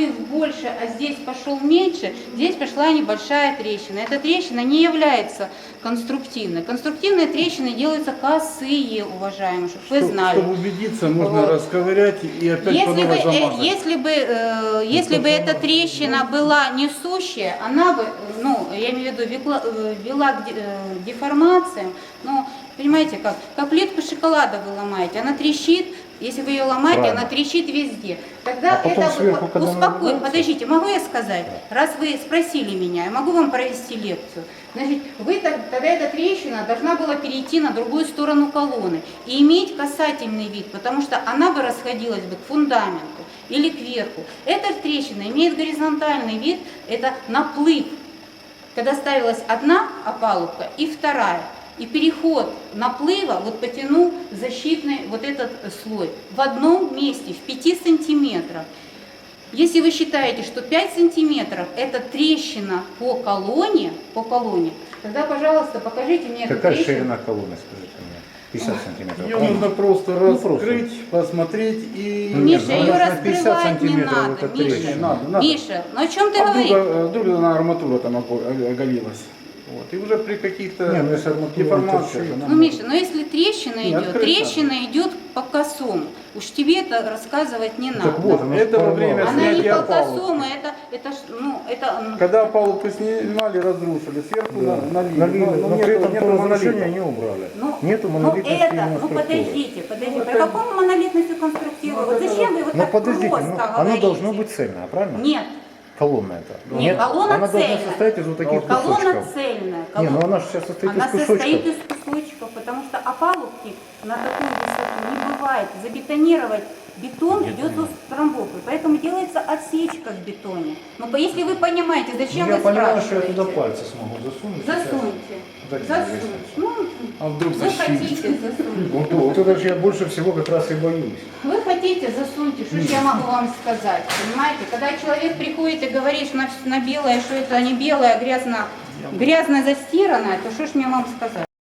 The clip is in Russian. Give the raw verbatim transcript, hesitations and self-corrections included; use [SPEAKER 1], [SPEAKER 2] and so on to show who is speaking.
[SPEAKER 1] наплыв больше, а здесь пошел меньше, здесь пошла небольшая трещина. Эта трещина не является конструктивной. Конструктивные трещины делаются косые, уважаемые, чтобы вы
[SPEAKER 2] Чтоб-
[SPEAKER 1] знали.
[SPEAKER 2] Чтобы убедиться, можно
[SPEAKER 1] Вот.
[SPEAKER 2] расковырять и опять по
[SPEAKER 1] Если бы,
[SPEAKER 2] новой
[SPEAKER 1] э,
[SPEAKER 2] замазать.
[SPEAKER 1] если бы, э, если бы эта трещина была несущая, она бы, э, ну, я имею в виду, векла- э, вела к де- э, деформациям, ну, понимаете как, как плитку шоколада вы ломаете, она трещит, если вы ее ломаете,
[SPEAKER 3] Правильно.
[SPEAKER 1] она трещит везде. Тогда
[SPEAKER 3] А потом
[SPEAKER 1] это,
[SPEAKER 3] сверху, когда
[SPEAKER 1] успокой,
[SPEAKER 3] наливается?
[SPEAKER 1] подождите, могу я сказать, раз вы спросили меня, я могу вам провести лекцию. Значит, вы так- тогда эта трещина должна была перейти на другую сторону колонны и иметь касательный вид, потому что она бы расходилась бы к фундаменту или кверху. Эта трещина имеет горизонтальный вид, это наплыв, когда ставилась одна опалубка и вторая. И переход наплыва вот потянул защитный вот этот слой в одном месте, в пяти сантиметрах. Если вы считаете, что пять сантиметров это трещина по колонне, по колонне, тогда, пожалуйста, покажите мне эту
[SPEAKER 3] Какая
[SPEAKER 1] трещину.
[SPEAKER 3] ширина колонны, скажите мне? пятьдесят сантиметров.
[SPEAKER 2] Ее нужно просто
[SPEAKER 3] Ну, просто.
[SPEAKER 2] раскрыть, посмотреть и...
[SPEAKER 3] Ну,
[SPEAKER 1] Миша,
[SPEAKER 3] ну,
[SPEAKER 1] ее
[SPEAKER 3] она на пятьдесят
[SPEAKER 1] раскрывать не
[SPEAKER 3] сантиметров,
[SPEAKER 1] надо,
[SPEAKER 3] это
[SPEAKER 1] Миша.
[SPEAKER 3] трещина.
[SPEAKER 2] Надо, надо.
[SPEAKER 1] Миша, ну о чем ты
[SPEAKER 2] А
[SPEAKER 1] говоришь?
[SPEAKER 2] вдруг, э, вдруг она арматура там ого- оголилась. Вот. И уже при каких-то
[SPEAKER 3] Не, ну если арматура
[SPEAKER 2] деформациях...
[SPEAKER 3] торчит,
[SPEAKER 2] она
[SPEAKER 1] Ну,
[SPEAKER 2] может-
[SPEAKER 1] Миша, но если трещина
[SPEAKER 2] Не,
[SPEAKER 1] идет,
[SPEAKER 2] открыто.
[SPEAKER 1] трещина идет по косому. Уж тебе это рассказывать не надо.
[SPEAKER 3] Так вот, она
[SPEAKER 2] Это во
[SPEAKER 3] порвалась.
[SPEAKER 2] время
[SPEAKER 1] Она не
[SPEAKER 2] снятия
[SPEAKER 1] по
[SPEAKER 2] опалубки.
[SPEAKER 1] косому, это, это, ж, ну, это, м,
[SPEAKER 2] Когда опалубку снимали, разрушили, сверху
[SPEAKER 3] Да.
[SPEAKER 2] на- налили.
[SPEAKER 3] Налили,
[SPEAKER 2] но,
[SPEAKER 3] но,
[SPEAKER 2] но
[SPEAKER 3] при
[SPEAKER 2] нету,
[SPEAKER 3] этом
[SPEAKER 2] нету
[SPEAKER 3] то разрушение
[SPEAKER 2] монолита.
[SPEAKER 3] не убрали.
[SPEAKER 1] ну,
[SPEAKER 3] Нету
[SPEAKER 1] ну
[SPEAKER 3] монолитности
[SPEAKER 1] это,
[SPEAKER 3] именно
[SPEAKER 1] ну
[SPEAKER 3] структуры.
[SPEAKER 1] подождите, подождите,
[SPEAKER 2] Ну,
[SPEAKER 1] про
[SPEAKER 2] это-
[SPEAKER 1] какую монолитность конструктиву?
[SPEAKER 2] Ну,
[SPEAKER 1] Вот
[SPEAKER 2] это-
[SPEAKER 1] зачем вы вот
[SPEAKER 3] Но
[SPEAKER 1] так
[SPEAKER 3] подождите,
[SPEAKER 1] просто
[SPEAKER 3] ну,
[SPEAKER 1] говорите?
[SPEAKER 3] оно должно быть цельное, правильно?
[SPEAKER 1] Нет,
[SPEAKER 3] Колонна это.
[SPEAKER 1] Нет, колонна
[SPEAKER 3] она должна
[SPEAKER 1] цельная.
[SPEAKER 3] состоять из вот таких
[SPEAKER 1] колонна
[SPEAKER 3] кусочков.
[SPEAKER 1] цельная.
[SPEAKER 3] Не,
[SPEAKER 1] колонна-
[SPEAKER 3] ну она же сейчас состоит
[SPEAKER 1] Она
[SPEAKER 3] из кусочков.
[SPEAKER 1] состоит из кусочков, потому что опалубки на такую высоту не бывает. Забетонировать бетон идет с трамбовкой, поэтому делается отсечка в бетоне. Но по- если вы понимаете, зачем
[SPEAKER 3] Ну, я
[SPEAKER 1] вы
[SPEAKER 3] понимаю, что я
[SPEAKER 1] спрашиваете?
[SPEAKER 3] туда пальцы смогу засунуть. сейчас.
[SPEAKER 1] Засуньте.
[SPEAKER 3] Так,
[SPEAKER 1] Засуньте. Ну,
[SPEAKER 2] А вдруг
[SPEAKER 1] вы
[SPEAKER 2] защитит?
[SPEAKER 1] хотите, засуньте.
[SPEAKER 3] Вот, вот это же я больше всего как раз и боюсь.
[SPEAKER 1] Вы хотите, засуньте, что ж я могу вам сказать, понимаете? Когда человек приходит и говорит на, на белое, что это не белое, а грязно, грязно застиранное, то что ж мне вам сказать?